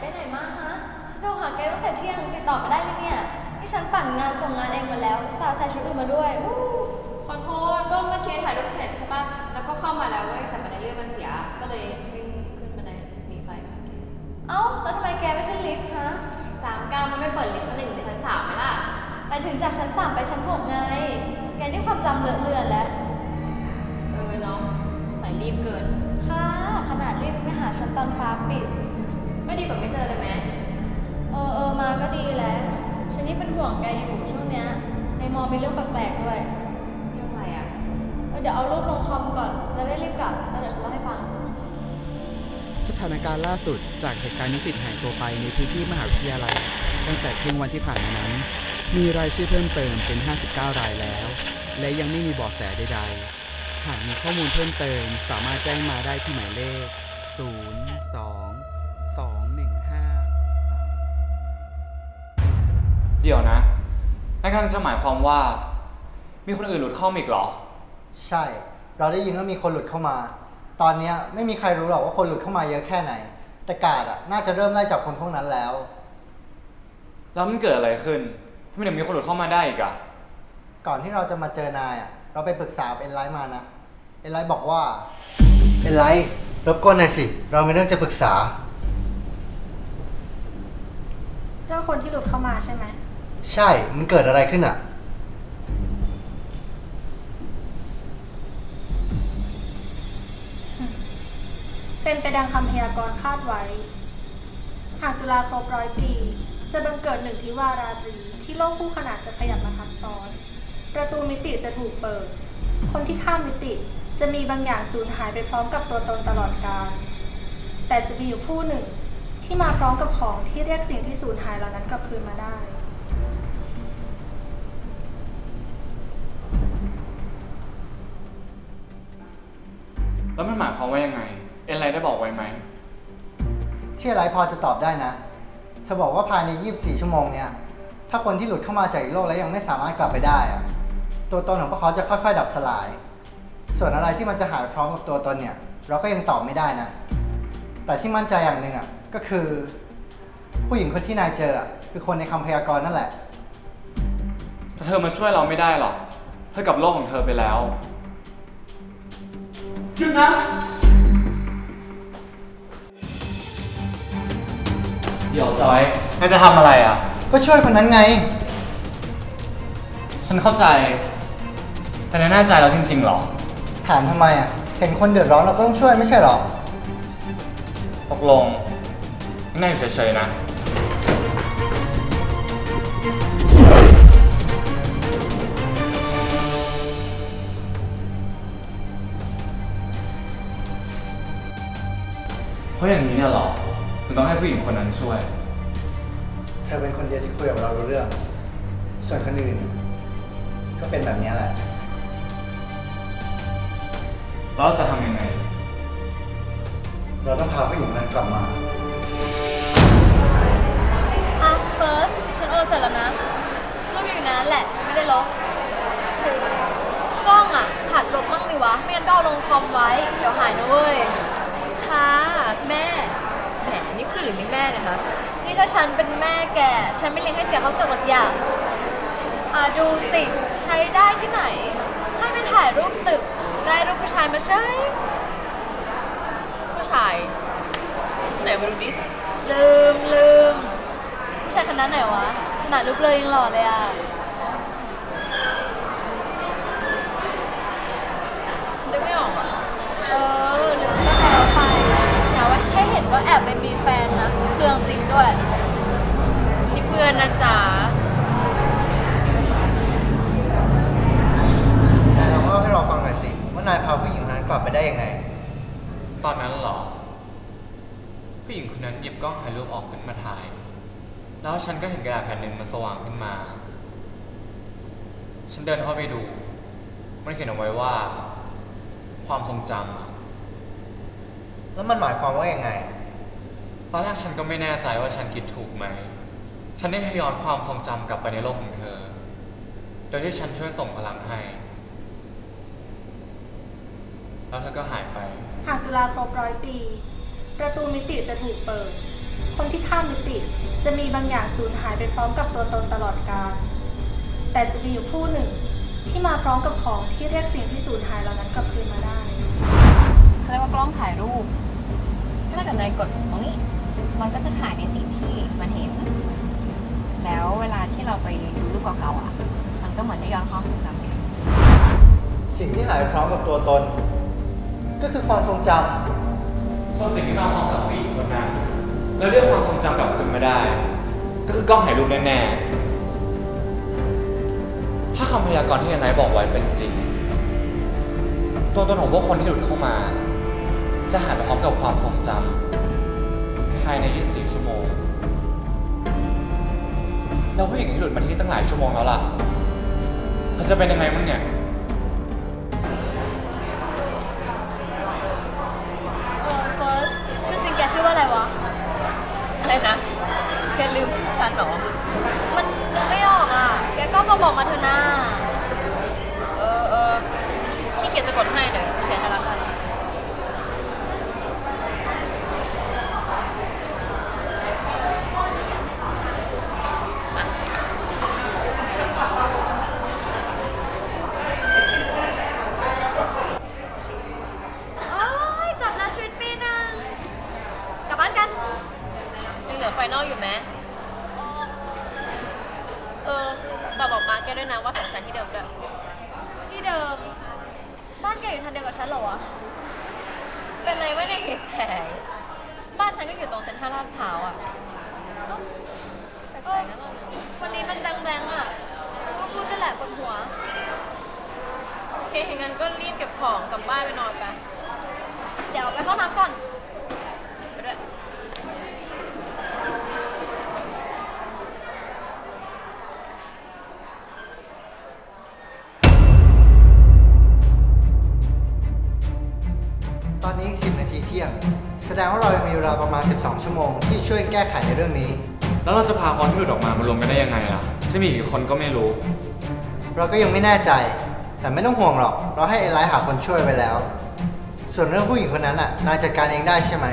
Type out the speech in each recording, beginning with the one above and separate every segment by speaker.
Speaker 1: ไปไหนมาฮะฉันโทรหาแกตั้งแต่เที่ยงติดต่อไม่ได้เลยเนี่ยที่ฉันปั่นงานส่งงานเองมาแล้วสาใส่ชุดอื่นมาด้วย
Speaker 2: ขอโทษก็เมื่อกี้ถ่ายรูปเสร็จใช่ปะแล้วก็เข้ามาแล้วเว้ยแต่บันไดเลื่อนมันเสียก็เลยวิ่งขึ้นบันไดมีไฟมาแก
Speaker 1: เอ้าแล้วทำไมแกไม่ขึ้นลิฟต์ฮะ
Speaker 2: 39มันไม่เปิดลิฟต์ชั้น1หรือชั้น3ไหมล่ะ
Speaker 1: ไปถึงจากชั้น3ไปชั้น6ไงแกนี่ความจำเลอะเลือนแล้ว
Speaker 2: เนาะใส่รีบเกิน
Speaker 1: ค่ะขนาดรีบไปหาฉันตอนฟ้าปิด
Speaker 2: ก็ดีกว่าไม่เจอเลยไหม
Speaker 1: มาก็ดีแล้วฉันนี่เป็นห่วงแกอยู่ช่วงเนี้ยในมอมีเรื่องแปลกๆด้วย
Speaker 2: เรื่องอะไรอ่ะ
Speaker 1: เดี๋ยวเอารูปลงคอมก่อนจะได้รีบกลับแล้วเดี๋ยวฉันเล่าให้ฟัง
Speaker 3: สถานการณ์ล่าสุดจากเหตุการณ์นิสิตหายตัวไปในพื้นที่มหาวิทยาลัยตั้งแต่เที่ยงวันที่ผ่านมานั้นมีรายชื่อเพิ่มเติมเป็น59รายแล้วและยังไม่มีเบาะแสใดๆหากมีข้อมูลเพิ่มเติมสามารถแจ้งมาได้ที่หมายเลข
Speaker 4: เดี๋ยวนะนั่นกำลังจะหมายความว่ามีคนอื่นหลุดเข้ามาอีกเหรอ
Speaker 5: ใช่เราได้ยินว่ามีคนหลุดเข้ามาตอนนี้ไม่มีใครรู้หรอกว่าคนหลุดเข้ามาเยอะแค่ไหนแต่กาดน่าจะเริ่มไล่จับคนพวกนั้นแล้ว
Speaker 4: มันเกิดอะไรขึ้นทำไมถึงมีคนหลุดเข้ามาได้อีกอะ
Speaker 5: ก่อนที่เราจะมาเจอนายเราไปปรึกษาเอ็นไลท์มานะเอ็นไลท์บอกว่าเอ็นไลท์รบกวนหน่อยสิเรามีเรื่องจะปรึกษา
Speaker 6: เรื่องคนที่หลุดเข้ามาใช่ไหม
Speaker 5: ใช่มันเกิดอะไรขึ้น
Speaker 6: เป็นไปดังคำพยากรณ์คาดไว้ หากจุฬาครบ100 ปีจะบังเกิดหนึ่งทิวาราตรีที่โลกคู่ขนานจะขยับมาทับซ้อนประตูมิติจะถูกเปิดคนที่ข้ามมิติจะมีบางอย่างสูญหายไปพร้อมกับตัวตนตลอดกาลแต่จะมีอยู่ผู้หนึ่งที่มาพร้อมกับของที่เรียกสิ่งที่สูญหายเหล่านั้นกลับคืนมาได้
Speaker 4: แล้วมันหมายความว่ายังไงเอ็นไลท์ได้บอกไว้ไหม
Speaker 5: ที่เอ็นไลท์พอจะตอบได้นะเธอบอกว่าภายใน24ชั่วโมงเนี่ยถ้าคนที่หลุดเข้ามาจากอีกโลกแล้วยังไม่สามารถกลับไปได้ตัวตนของพวกเขาจะค่อยๆดับสลายส่วนอะไรที่มันจะหายพร้อมกับตัวตนเนี่ยเราก็ยังตอบไม่ได้นะแต่ที่มั่นใจอย่างหนึ่งก็คือผู้หญิงคนที่นายเจอคือคนในคำพยากรณ์นั่นแหละ
Speaker 4: แต่เธอมาช่วยเราไม่ได้หรอกเธอกับโลกของเธอไปแล้วหยุดนะเดี๋ยวจอยนายจะทำอะไร
Speaker 5: ก็ช่วยคนนั้นไง
Speaker 4: ฉันเข้าใจแต่นายแน่ใจแล้วจริงๆหรอ
Speaker 5: ถามทำไมเห็นคนเดือดร้อนเราก็ต้องช่วยไม่ใช่หรอ
Speaker 4: ตกลงนายอยู่เฉยๆนะเพราะอย่างนี้เนี่ยหรอคุณต้องให้ผู้หญิงคนนั้นช่วย
Speaker 5: เธอเป็นคนเดียวที่คุยกับเรารู้เรื่องส่วนคนอื่นก็เป็นแบบนี้แหละ
Speaker 4: เราจะทำยังไง
Speaker 5: เราต้องพาผู้หญิงคนนั้นกลับมา
Speaker 1: เฟิร์สฉันเสร็จแล้วนะรูปอยู่นั้นแหละไม่ได้ลบกล้องหัดลบมั่งดิวะไม่งั้นก็เอาลงคอมไว้เดี๋ยวหายนะเว้ย
Speaker 2: ค่ะแม่แหมนี่คือหรือไม่แม่นะคะ
Speaker 1: นี่ถ้าฉันเป็นแม่แกฉันไม่เลี้ยงให้เสียเขาสักหมดอย่างดูสิใช้ได้ที่ไหนให้ไปถ่ายรูปตึกได้รูปผู้ชายมาใช่
Speaker 2: ผู้ชายไหนมาดูดิ
Speaker 1: ลืมผู้ชายคนนั้นไหนวะขนาดรูปเลยยังหล่อเลย
Speaker 2: นึกไม่ออก
Speaker 1: ลืมก็แล้วไปอย่าไว้ให้เห็นว่าแอบไปมีแฟนนะเรื่องจริงด้วย
Speaker 2: นี่เพื่อนนะจ๊ะ
Speaker 5: ลองเล่าให้เราฟังหน่อยสิว่านายพาผู้หญิงคนนั้นกลับไปได้ยังไง
Speaker 4: ตอนนั้นเหรอผู้หญิงคนนั้นหยิบกล้องถ่ายรูปออกขึ้นมาถ่ายแล้วฉันก็เห็นกระดาษแผ่นหนึ่งมันสว่างขึ้นมาฉันเดินเข้าไปดูมันเขียนเอาไว้ว่าความทรงจ
Speaker 5: ำแล้วมันหมายความว่ายังไง
Speaker 4: ตอนแรกฉันก็ไม่แน่ใจว่าฉันคิดถูกไหมฉันได้ทยอยความทรงจำกลับไปในโลกของเธอโดยที่ฉันช่วยส่งพลังให้แล้วเธอก็หายไป
Speaker 6: หากจุฬาครบ100 ปีประตูมิติจะถูกเปิดคคนที่ข้ามมิติจะมีบางอย่างสูญหายไปพร้อมกับตัวตนตลอดกาล แต่จะมีอยู่ผู้หนึ่งที่มาพร้อมกับของที่เรียกสิ่งที่สูญหายเหล่านั้นกลับคืนมาได้
Speaker 2: เขาเรียกว่ากล้องถ่ายรูป ถ้าเกิดเนยกดตรงนี้ มันก็จะถ่ายในสิ่งที่มันเห็น แล้วเวลาที่เราไปดูรูปเก่าๆอ่ะ มันก็เหมือนได้ย้อนความทรงจำไง
Speaker 5: สิ่งที่หายไปพร้อมกับตัวตน ก็คือความทรงจำ
Speaker 4: ส่วนสิ่งที่มาพร้อมกับผู้หญิงคนนั้น แล้วเรียกความทรงจำกลับคืนมาได้ ก็คือกล้องถ่ายรูปแน่ๆ ถ้าคำพยากรณ์ที่ไนท์บอกไว้เป็นจริง ตัวตนของพวกคนที่หลุดเข้ามา จะหายไปพร้อมกับความทรงจำภายใน 24 ชั่วโมง แล้วผู้หญิงที่หลุดมาที่นี่ตั้งหลายชั่วโมงแล้วล่ะเขาจะเป็นยังไงมั้งเนี่ย
Speaker 1: เฟิร์สชื่อจริงแกชื่อว่าอะไรวะ
Speaker 2: อะไรนะ แกลืมฉันเหรอ
Speaker 1: มันนึกไม่ออกอ่ะ แกก็บอกมาเถอะนะ
Speaker 2: ขี้เกียจจะกดให้เดี๋ยวเขียนให้ละกัน
Speaker 1: โอ้ยจับแล้วชีวิตปีหนึงกลับบ้านกัน
Speaker 2: ยังเหลือไฟนอลอยู่ไหมบอกมาแกด้วยนะว่าส่งฉันที่เดิมด้วย
Speaker 1: ที่เดิม บ้านแกอยู่ทางเดียวกับฉันเหรอวะ
Speaker 2: เป็นไรไม่ได้เห็นแสง บ้านฉันก็อยู่ตรงเซ็นทรัลลาดพร้าวอ่ะแปลกๆนะเราเนี่ย
Speaker 1: วันนี้มันแดงๆอ่ะมันรุ่นๆด้วยแหละปวดหัว
Speaker 2: โอเคงั้นก็รีบเก็บของกลับบ้านไปนอนไป
Speaker 1: เดี๋ยวไปเข้าน้ำก่อน
Speaker 2: ไปด้วย
Speaker 5: ตอนนี้อีก10 นาทีเที่ยง แสดงว่าเรายังมีเวลาประมาณ 12 ชั่วโมงที่ช่วยแก้ไขในเรื่องนี้
Speaker 4: แล้วเราจะพาคนที่หลุดออกมามารวมกันได้ยังไงล่ะจะมีกี่คนก็ไม่รู้
Speaker 5: เราก็ยังไม่แน่ใจ แต่ไม่ต้องห่วงหรอก เราให้เอไลท์หาคนช่วยไปแล้ว ส่วนเรื่องผู้หญิงคนนั้นนายจัดการเองได้ใช่ไหม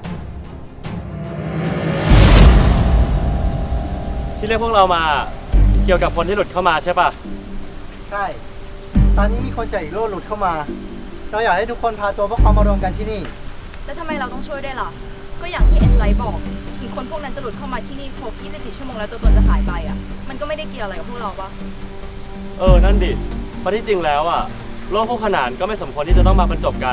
Speaker 7: ที่เรียกพวกเรามาเกี่ยวกับคนที่หลุดเข้ามาใช่ปะ
Speaker 5: ใช่ ตอนนี้มีคนจากอีกโลกหลุดเข้ามา เราอยากให้ทุกคนพาตัวพวกเขามารวมกันที่นี่
Speaker 8: แล้วทำไมเราต้องช่วยด้วยล่ะ ก็อย่างที่เอสไลท์บอก ถึงคนพวกนั้นจะหลุดเข้ามาที่นี่ครบ24 ชั่วโมงแล้วตัวตนจะหายไปอ่ะ มันก็ไม่ได้เกี่ยวอะไรกับพวกเราปะ
Speaker 7: นั่นดิเพราะที่จริงแล้วอ่ะโลกคู่ขนานก็ไม่สมควรที่จะต้องมาบรรจบกัน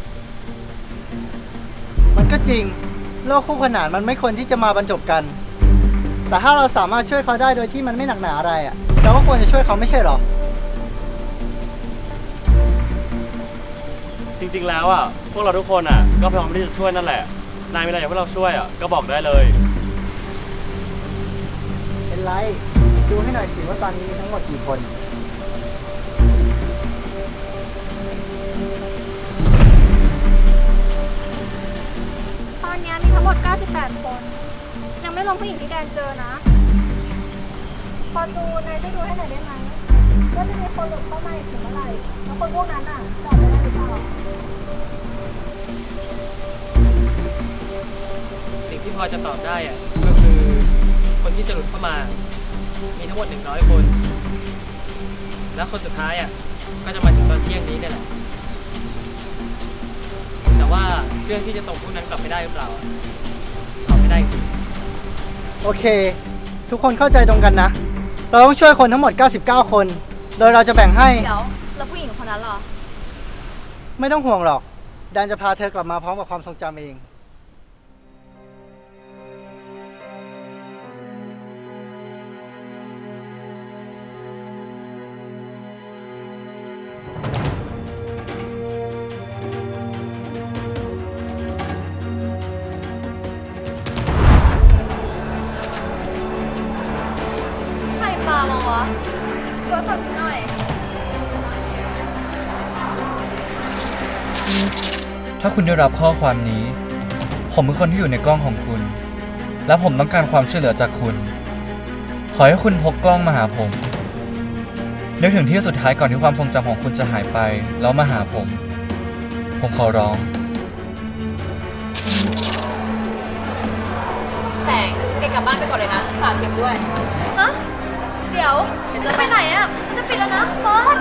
Speaker 5: มันก็จริง โลกคู่ขนานมันไม่ควรที่จะมาบรรจบกัน แต่ถ้าเราสามารถช่วยเขาได้โดยที่มันไม่หนักหนาอะไรเราก็ควรจะช่วยเขาไม่ใช่หรอ
Speaker 7: จริงๆแล้วอ่ะพวกเราทุกคนอ่ะก็พร้อมที่จะช่วยนั่นแหละ นายมีอะไรอยากให้พวกเราช่วยอ่ะก็บอกได้เลย
Speaker 5: เป็นไร ดูให้หน่อยสิว่าตอนนี้มีทั้งหมดกี่คน
Speaker 6: ตอนนี้มีทั้งหมด 98 คน ยังไม่รวมผู้หญิงที่แดนเจอนะ พอดูนายช่วยดูให้หน่อยได้ไหมว่าจะมีคนหลุดเข้ามาอีกถึงเมื่อไหร่ แล้วคนพวกนั้นจะออกไปได้หรือเปล่า
Speaker 9: สิ่งที่พอจะตอบได้อะก็คือคนที่จะหลุดเข้ามา มีทั้งหมด100 คน แล้วคนสุดท้ายก็จะมาถึงตอนเที่ยงนี้เนี่ยแหละ แต่ว่าเรื่องที่จะส่งพวกนั้นกลับไปได้หรือเปล่าตอบไม่ได้จริง
Speaker 5: โอเค ทุกคนเข้าใจตรงกันนะ เราต้องช่วยคนทั้งหมด 99 คน โดยเราจะแบ่งให้
Speaker 8: เดี๋ยว แล้วผู้หญิงคนนั้นล่ะ
Speaker 5: ไม่ต้องห่วงหรอก แดนจะพาเธอกลับมาพร้อมกับความทรงจำเอง
Speaker 1: ใครปลามาวะเฟิร์สขอกินหน่อย
Speaker 10: ถ้าคุณได้รับข้อความนี้ ผมคือคนที่อยู่ในกล้องของคุณ และผมต้องการความช่วยเหลือจากคุณ ขอให้คุณพกกล้องมาหาผม นึกถึงที่สุดท้ายก่อนที่ความทรงจำของคุณจะหายไป แล้วมาหาผม ผมขอร้อง
Speaker 1: แส
Speaker 8: ไปก่อนเลยนะฝากเก็บด้วย
Speaker 1: ฮะ เดี๋ยวจะไปไหนอ่ะมันจะปิดแล้วนะเฟิร์ส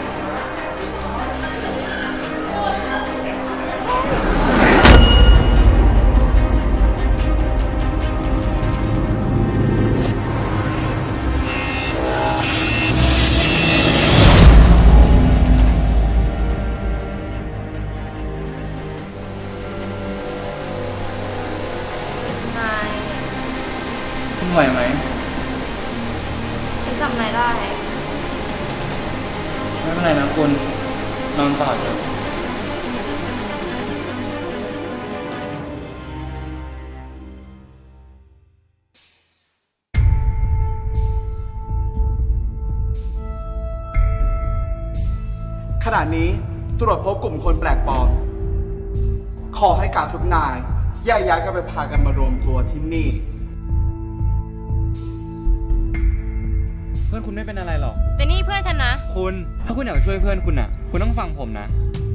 Speaker 8: นาย
Speaker 10: คุณไหวไหม
Speaker 8: ฉันจำนายได้
Speaker 10: ไม่เป็นไรนะคุณ นอนต่อเถอะ
Speaker 3: ขณะนี้ตรวจพบกลุ่มคนแปลกปลอม ขอให้การทุกนายแยกย้ายกันไปพากันมารวมตัวที่นี่
Speaker 10: เพื่อนคุณไม่เป็นอะไรหรอก
Speaker 8: แต่นี่เพื่อนฉันนะ
Speaker 10: คุณ ถ้าคุณอยากช่วยเพื่อนคุณอ่ะ คุณต้องฟังผมนะ